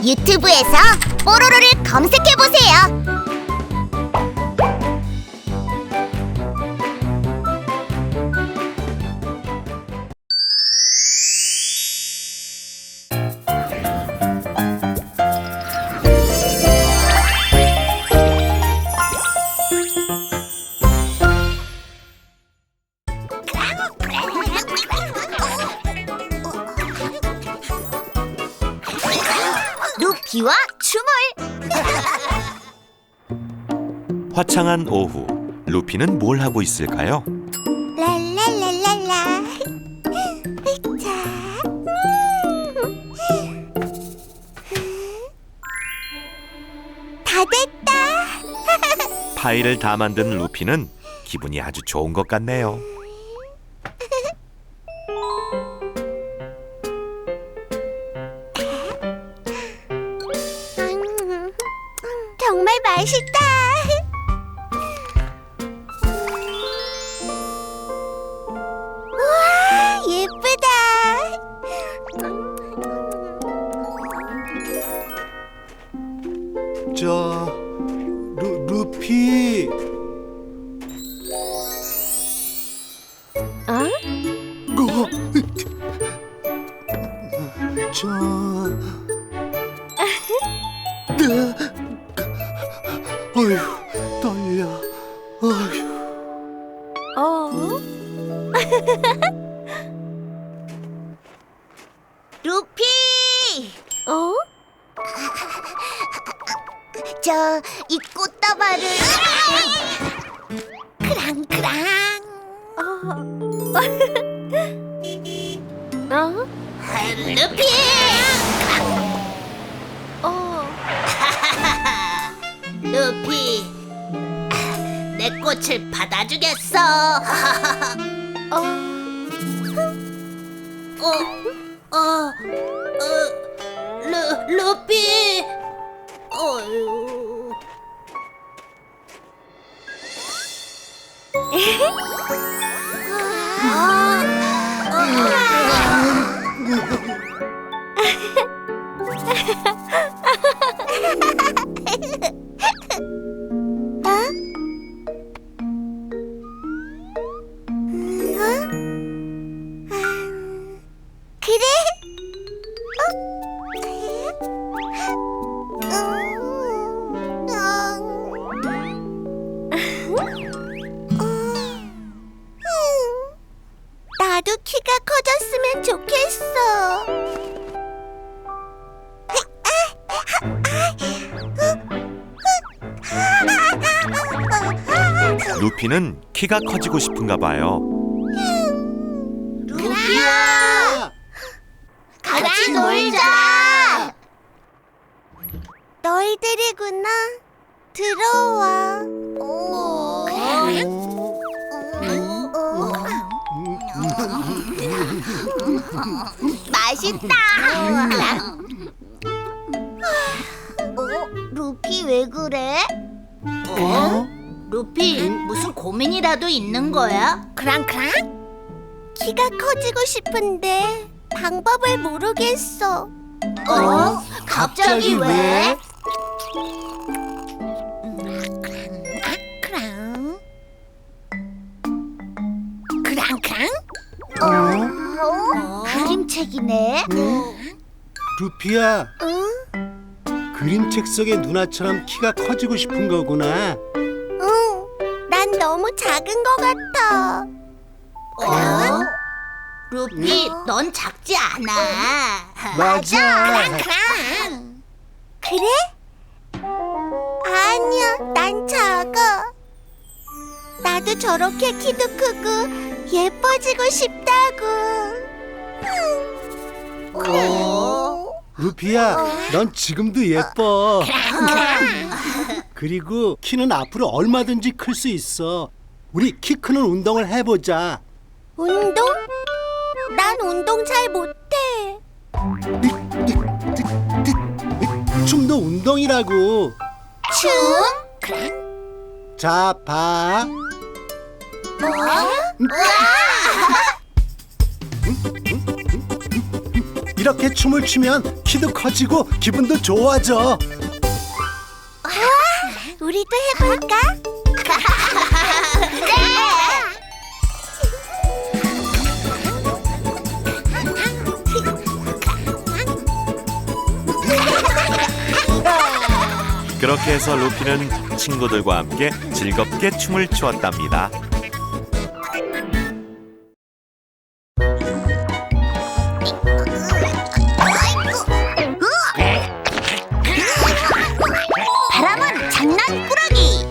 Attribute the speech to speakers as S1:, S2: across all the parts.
S1: 유튜브에서 뽀로로를 검색해보세요. 루피와 춤을.
S2: 화창한 오후, 루피는 뭘 하고 있을까요?
S1: 랄랄랄랄라. 자. 다 됐다.
S2: 파이를 다 만든 루피는 기분이 아주 좋은 것 같네요.
S1: 정말 맛있다. 우와, 예쁘다.
S3: 루피.
S1: 어?
S3: 어휴, 떨려. 어휴.
S1: 루피! 이 꽃다발을 크랑크랑. 루피! 루피, 내 꽃을 받아주겠어. 루피. 그래? 나도 키가 커졌으면 좋겠어.
S2: 루피는 키가 커지고 싶은가 봐요.
S1: 루피야! 같이 놀자! 너희들이구나. 들어와. 맛있다. 루피 왜 그래? 루피, 무슨 고민이라도 있는 거야? 크랑크랑? 키가 커지고 싶은데 방법을 모르겠어. 갑자기 왜? 크랑크랑? 그림책이네.
S3: 루피야,
S1: 응?
S3: 그림책 속의 누나처럼 키가 커지고 싶은 거구나.
S1: 응, 난 너무 작은 것 같아. 루피, 넌 작지 않아.
S3: 맞아.
S1: 크랑. 그래? 아니야, 난 작아. 나도 저렇게 키도 크고 예뻐지고 싶다고.
S3: 루피야, 넌 지금도 예뻐. 그리고 키는 앞으로 얼마든지 클 수 있어. 우리 키 크는 운동을 해보자.
S1: 운동? 난 운동 잘 못해.
S3: 춤도 운동이라고.
S1: 춤?
S3: 자, 봐. 이렇게 춤을 추면 키도 커지고 기분도 좋아져.
S1: 우리도 해볼까?
S2: 그렇게 해서 루피는 친구들과 함께 즐겁게 춤을 추었답니다.
S1: 바람은 장난꾸러기.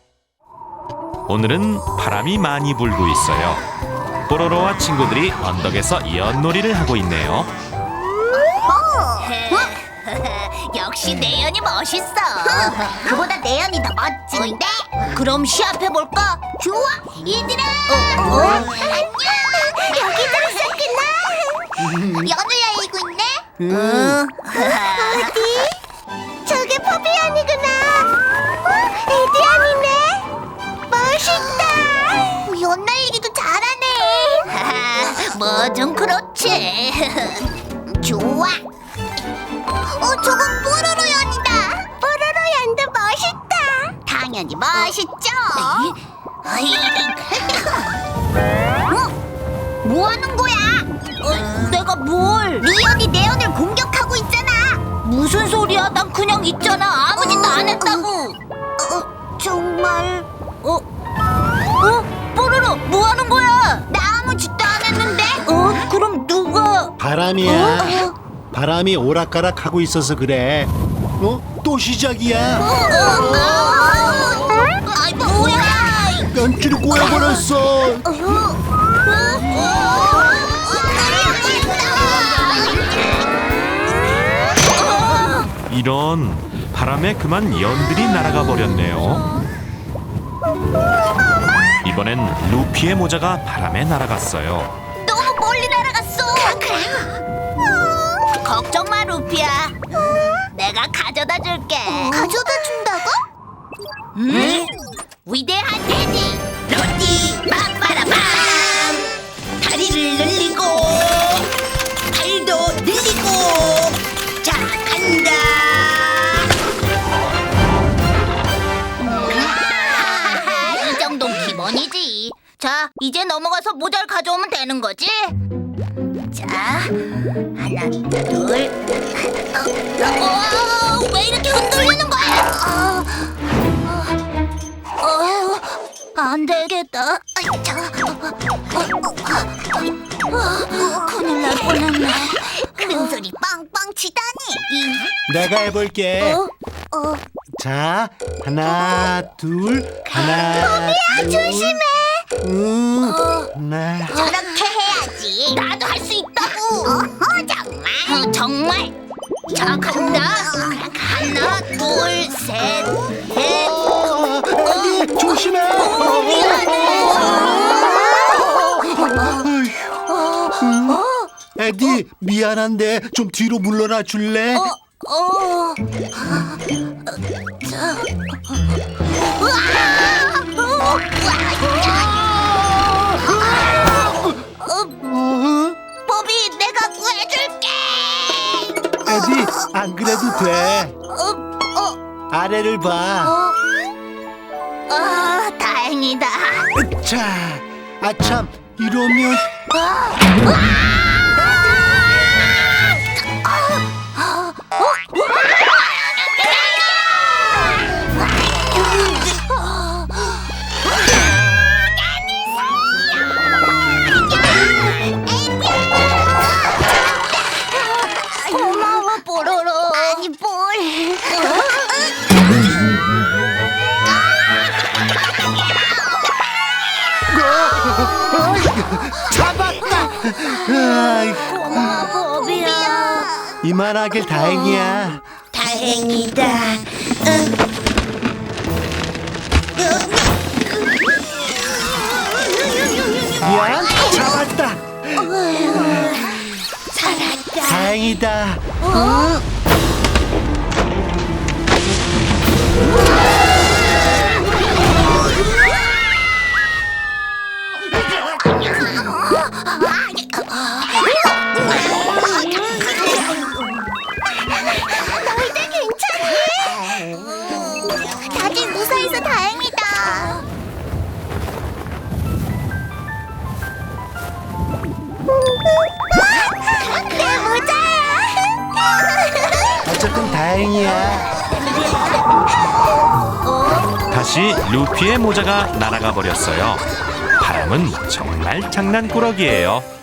S2: 오늘은 바람이 많이 불고 있어요. 뽀로로와 친구들이 언덕에서 연놀이를 하고 있네요.
S1: 역시 내연이 멋있어. 그보다 내연이 더 멋진데? 그럼 시합해볼까? 좋아, 얘들아. 안녕. 여기들 있었구나. 연을 날리고 있네. 어디? 저게 포비안이구나. 에디안이네. 멋있다. 연 날리기도 잘하네. 뭐 좀 그렇지. 좋아. 저건 뽀로로 연이다. 뽀로로 연도 멋있다. 당연히 멋있죠. 뭐 하는 거야? 내가 뭘? 네 연이 내 연을 공격하고 있잖아. 무슨 소리야? 난 그냥 있잖아. 아무 짓도 안 했다고. 정말? 뽀로로 뭐 하는 거야? 나 아무 짓도 안 했는데. 그럼 누가?
S3: 바람이야. 바람이 오락가락하고 있어서 그래. 또 시작이야.
S1: 아이 뭐야?
S3: 연줄이 꼬여버렸어.
S2: 이런, 바람에 그만 연들이 날아가 버렸네요. 이번엔 루피의 모자가 바람에 날아갔어요.
S1: 너무 멀리 날아갔어. 걱정 마, 루피야. 내가 가져다 줄게. 가져다 준다고? 위대한 테디 로티 빠빠라밤. 다리를 늘리고 발도 늘리고. 자, 간다. 이 정도는 기본이지. 자, 이제 넘어가서 모자를 가져오면 되는 거지? 자, 하나, 둘. 왜 이렇게 흔들리는 거야? 안 되겠다. 큰일 날 뻔했네. 큰 소리 빵빵 치다니.
S3: 내가 해볼게. 자, 하나, 둘, 하나, 둘.
S1: 조심해.
S3: 하나.
S1: 저렇게 해야지. 나도 할 수 있다고. 정말? 정말? 자, 간다. 하나, 둘, 셋, 넷.
S3: 에디, 조심해. 에디, 미안한데 좀 뒤로 물러나 줄래?
S1: 보비, 내가 구해줄게.
S3: 에디, 안 그래도 돼. 아래를 봐.
S1: 다행이다.
S3: 자, 아참, 이러면
S1: 고마워, 뽀로로. 아니, 뭘.
S3: 잡았다. 아이,
S1: 고마워, 보비야.
S3: 이만하길 다행이야.
S1: 다행이다.
S3: 미안, 잡았다.
S1: 살았다.
S3: 다행이다. 다행이야.
S2: 다시 루피의 모자가 날아가 버렸어요. 바람은 정말 장난꾸러기예요.